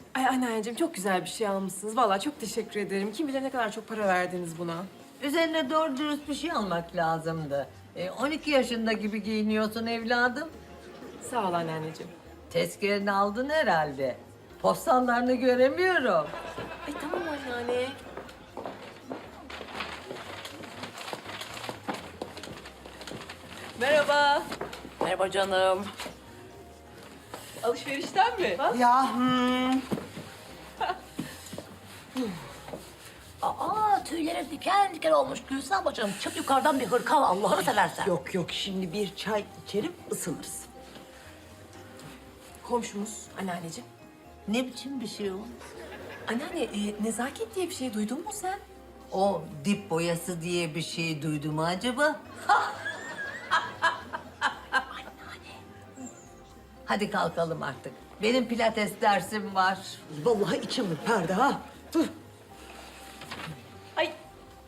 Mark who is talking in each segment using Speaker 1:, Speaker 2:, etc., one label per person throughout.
Speaker 1: Ay anneanneciğim çok güzel bir şey almışsınız. Vallahi çok teşekkür ederim. Kim bilir ne kadar çok para verdiniz buna.
Speaker 2: Üzerine doğru dürüst bir şey almak lazımdı. 12 yaşında gibi giyiniyorsun evladım.
Speaker 1: Sağ ol anneanneciğim.
Speaker 2: Tezkereni aldın herhalde. Postallarını göremiyorum.
Speaker 1: Ay tamam anneanne. Merhaba.
Speaker 3: Merhaba canım.
Speaker 1: Alışverişten mi?
Speaker 4: Ya
Speaker 3: Aa tüylerim diken diken olmuş Gülsüm bacım. Çık yukarıdan bir hırka al Allah'ını seversen.
Speaker 4: yok yok şimdi bir çay içerim ısınırız.
Speaker 1: Komşumuz anneanneciğim.
Speaker 2: Ne biçim bir şey o?
Speaker 1: Anneanne nezaket diye bir şey duydun mu sen?
Speaker 2: O dip boyası diye bir şey duydum mu acaba? Hadi kalkalım artık. Benim pilates dersim var.
Speaker 4: Vallahi içim ürperdi ha. Dur.
Speaker 1: Ay.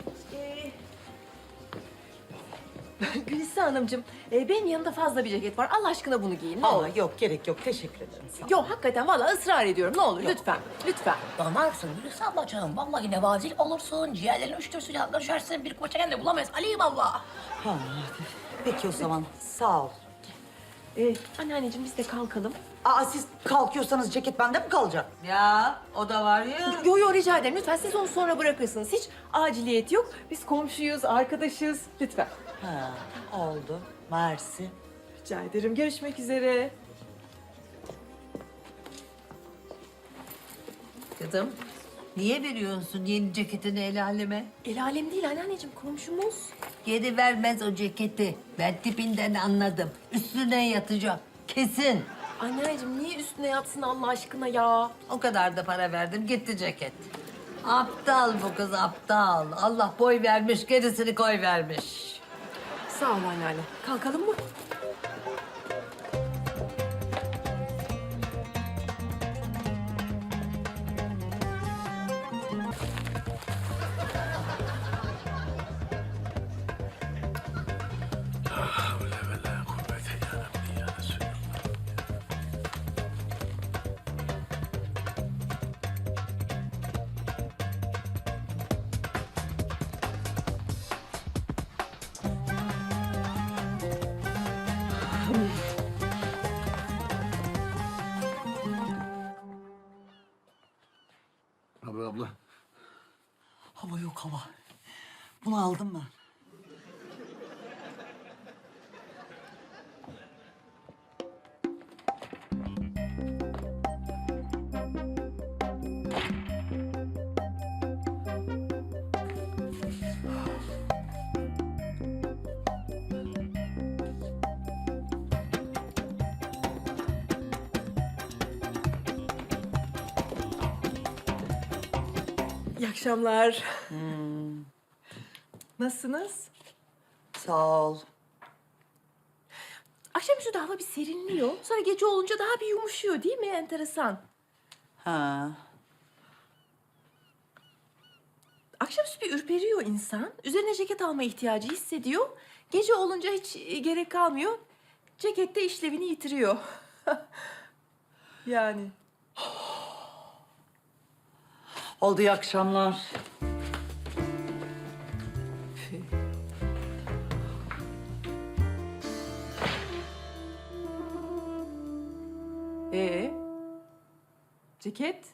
Speaker 1: Gülistan Hanımcığım, benim yanımda fazla bir ceket var. Allah aşkına bunu giyin. Ne olur.
Speaker 4: Aa, yok gerek yok teşekkür ederim. Sağ ol.
Speaker 1: Yok hakikaten vallahi ısrar ediyorum. Ne olur lütfen. Lütfen.
Speaker 3: Danarsın Gülsüm bacım. Vallahi nevazil olursun. Ciğerlerin üşütürsün. Yanına düşersin. Bir koça kendini bulamayız. Aleyhim Allah.
Speaker 4: Ha, peki o zaman sağ ol.
Speaker 1: Anneanneciğim biz de kalkalım.
Speaker 4: Aa siz kalkıyorsanız ceket bende mi kalacak?
Speaker 2: Ya o da var ya.
Speaker 1: Yo yo rica ederim. Lütfen siz onu sonra bırakırsınız. Hiç aciliyet yok. Biz komşuyuz, arkadaşız. Lütfen.
Speaker 4: Ha, oldu. Mersi.
Speaker 1: Rica ederim. Görüşmek üzere.
Speaker 2: Kızım niye veriyorsun yeni ceketini el aleme?
Speaker 1: El alem değil anneanneciğim. Komşumuz.
Speaker 2: Geri vermez o ceketi. Ben tipinden anladım. Üstüne yatacak. Kesin.
Speaker 1: Anneanneciğim niye üstüne yatsın Allah aşkına ya?
Speaker 2: O kadar da para verdim gitti ceket. Aptal bu kız aptal. Allah boy vermiş gerisini koy vermiş.
Speaker 1: Sağ ol anneanne. Kalkalım mı?
Speaker 5: Abi abla.
Speaker 4: Hava yok hava. Bunu aldım ben.
Speaker 1: İyi akşamlar. Nasılsınız?
Speaker 4: Sağ ol.
Speaker 1: Akşamüstü de hava bir serinliyor. Sonra gece olunca daha bir yumuşuyor değil mi? Enteresan.
Speaker 4: Ha.
Speaker 1: Akşamüstü bir ürperiyor insan. Üzerine ceket alma ihtiyacı hissediyor. Gece olunca hiç gerek kalmıyor. Ceket de işlevini yitiriyor. Yani.
Speaker 4: Oldu iyi akşamlar.
Speaker 1: Ee? Ceket?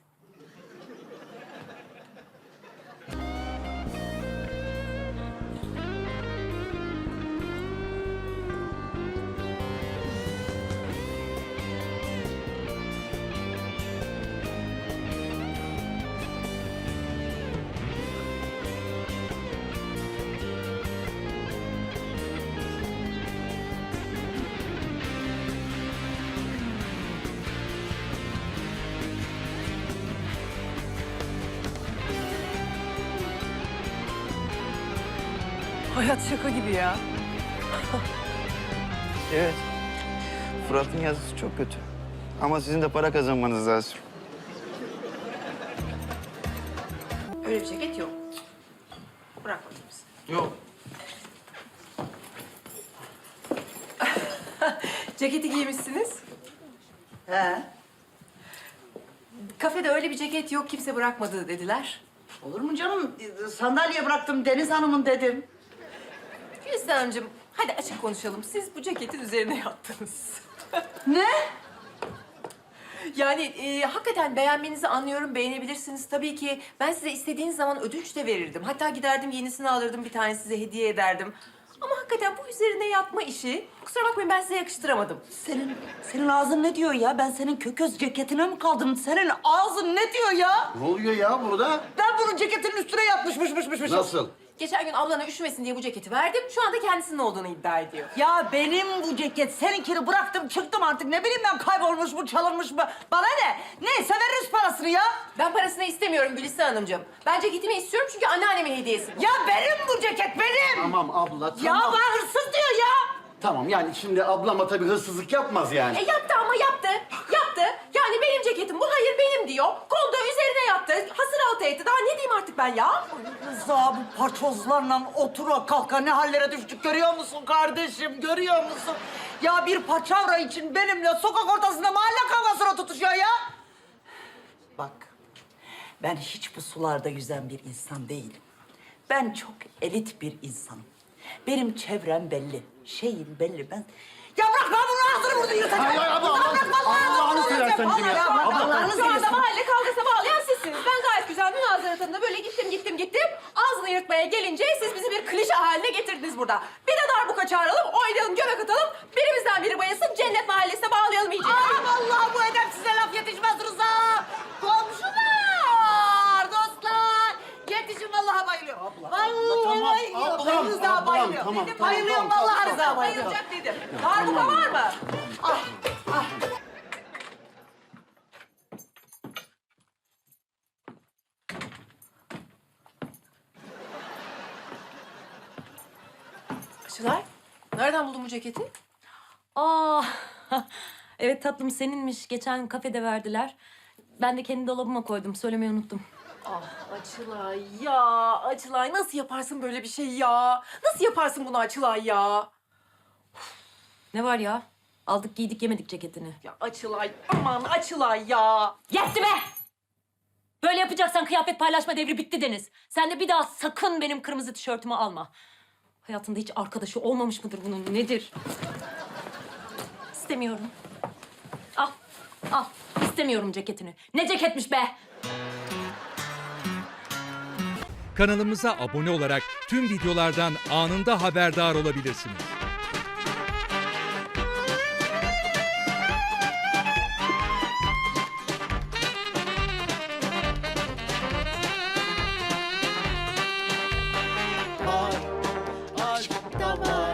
Speaker 1: Hayat şaka gibi ya.
Speaker 5: Evet. Fırat'ın yazısı çok kötü. Ama sizin de para kazanmanız lazım.
Speaker 1: Öyle bir ceket yok. Bırak bakayım sen.
Speaker 5: Yok.
Speaker 1: Ceketi giymişsiniz.
Speaker 4: He.
Speaker 1: Kafede öyle bir ceket yok, kimse bırakmadı dediler.
Speaker 4: Olur mu canım? Sandalye bıraktım Deniz Hanım'ın dedim.
Speaker 1: Gülistan Hanımcığım, hadi açık konuşalım. Siz bu ceketin üzerine yattınız.
Speaker 4: Ne?
Speaker 1: Yani hakikaten beğenmenizi anlıyorum, beğenebilirsiniz. Tabii ki ben size istediğiniz zaman ödünç de verirdim. Hatta giderdim yenisini alırdım, bir tane size hediye ederdim. Ama hakikaten bu üzerine yatma işi, kusura bakmayın ben size yakıştıramadım.
Speaker 4: Senin ağzın ne diyor ya? Ben senin kököz ceketine mi kaldım? Senin ağzın ne diyor ya?
Speaker 6: Ne oluyor ya burada?
Speaker 4: Ben bunun ceketinin üstüne yatmışmışmışmışmışım.
Speaker 6: Nasıl?
Speaker 1: Geçen gün ablana üşümesin diye bu ceketi verdim. Şu anda kendisinin olduğunu iddia ediyor.
Speaker 4: Ya benim bu ceket, seninkini bıraktım çıktım artık. Ne bileyim ben, kaybolmuş mu, çalınmış mı? Bana ne? Neyse veririz parasını ya.
Speaker 1: Ben parasını istemiyorum Gülistan Hanımcığım. Ben ceketimi istiyorum çünkü anneannemin hediyesi bu.
Speaker 4: Ya benim bu ceket, benim.
Speaker 6: Tamam abla, tamam.
Speaker 4: Ya bana hırsız diyor ya.
Speaker 6: Tamam yani şimdi ablama tabii hırsızlık yapmaz yani.
Speaker 1: Yaptı ama yaptı. Yaptı. Yani benim ceketim bu, hayır benim diyor. Kondu üzerine yattı. Hasır altı etti. Daha ne diyeyim artık ben ya?
Speaker 4: Rıza, bu paçozlarla otura kalka ne hallere düştük görüyor musun kardeşim, görüyor musun? Ya bir paçavra için benimle sokak ortasında mahalle kavgasına tutuşuyor ya. Bak, ben hiç bu sularda yüzen bir insan değilim. Ben çok elit bir insanım. Benim çevrem belli, şeyim belli. Ben... Ya bırak, ben bunun ağzını burada yırtacağım.
Speaker 6: Ay, ay, abla,
Speaker 4: Bırak,
Speaker 6: Allah'ını seversen
Speaker 4: vallahi
Speaker 6: ya.
Speaker 4: ya.
Speaker 6: Abla,
Speaker 4: Allah'ını
Speaker 1: Şu anda
Speaker 4: seversen.
Speaker 1: mahalle kavgasına bağlayan sizsiniz. Ben gayet güzel münazara tadında böyle gittim. Ağzını yırtmaya gelince siz bizi bir klişe haline getirdiniz burada. Bir de darbuka çağıralım, oynayalım, göbek atalım. Birimizden biri bayılsın, cennet mahallesine bağlayalım iyice.
Speaker 4: Aa, vallahi bu edepsize laf yetişmez Rıza. Komşular, dostlar. Yetişin, vallahi bayılıyorum. Vallahi
Speaker 6: tamam.
Speaker 4: bayılıyorum.
Speaker 6: Ablam,
Speaker 4: Rıza
Speaker 6: ablam,
Speaker 4: bayılıyor.
Speaker 6: tamam,
Speaker 4: Benim
Speaker 6: tamam,
Speaker 4: bayılıyorum,
Speaker 6: tamam,
Speaker 4: vallahi
Speaker 6: tamam,
Speaker 4: Rıza bayılıyorum.
Speaker 1: Bayılacak dedim. Darbuka var mı? Açılar, nereden buldun bu ceketi?
Speaker 7: Aa, evet tatlım seninmiş. Geçen kafede verdiler. Ben de kendi dolabıma koydum. Söylemeyi unuttum.
Speaker 1: Ah Açılay ya, Açılay nasıl yaparsın böyle bir şey ya? Nasıl yaparsın bunu Açılay ya?
Speaker 7: Ne var ya? Aldık giydik yemedik ceketini.
Speaker 1: Ya Açılay, aman Açılay ya.
Speaker 7: Yetti be! Böyle yapacaksan kıyafet paylaşma devri bitti Deniz. Sen de bir daha sakın benim kırmızı tişörtümü alma. Hayatında hiç arkadaşı olmamış mıdır bunun? Nedir? İstemiyorum. Al, al. İstemiyorum ceketini. Ne ceketmiş be?
Speaker 8: Kanalımıza abone olarak tüm videolardan anında haberdar olabilirsiniz.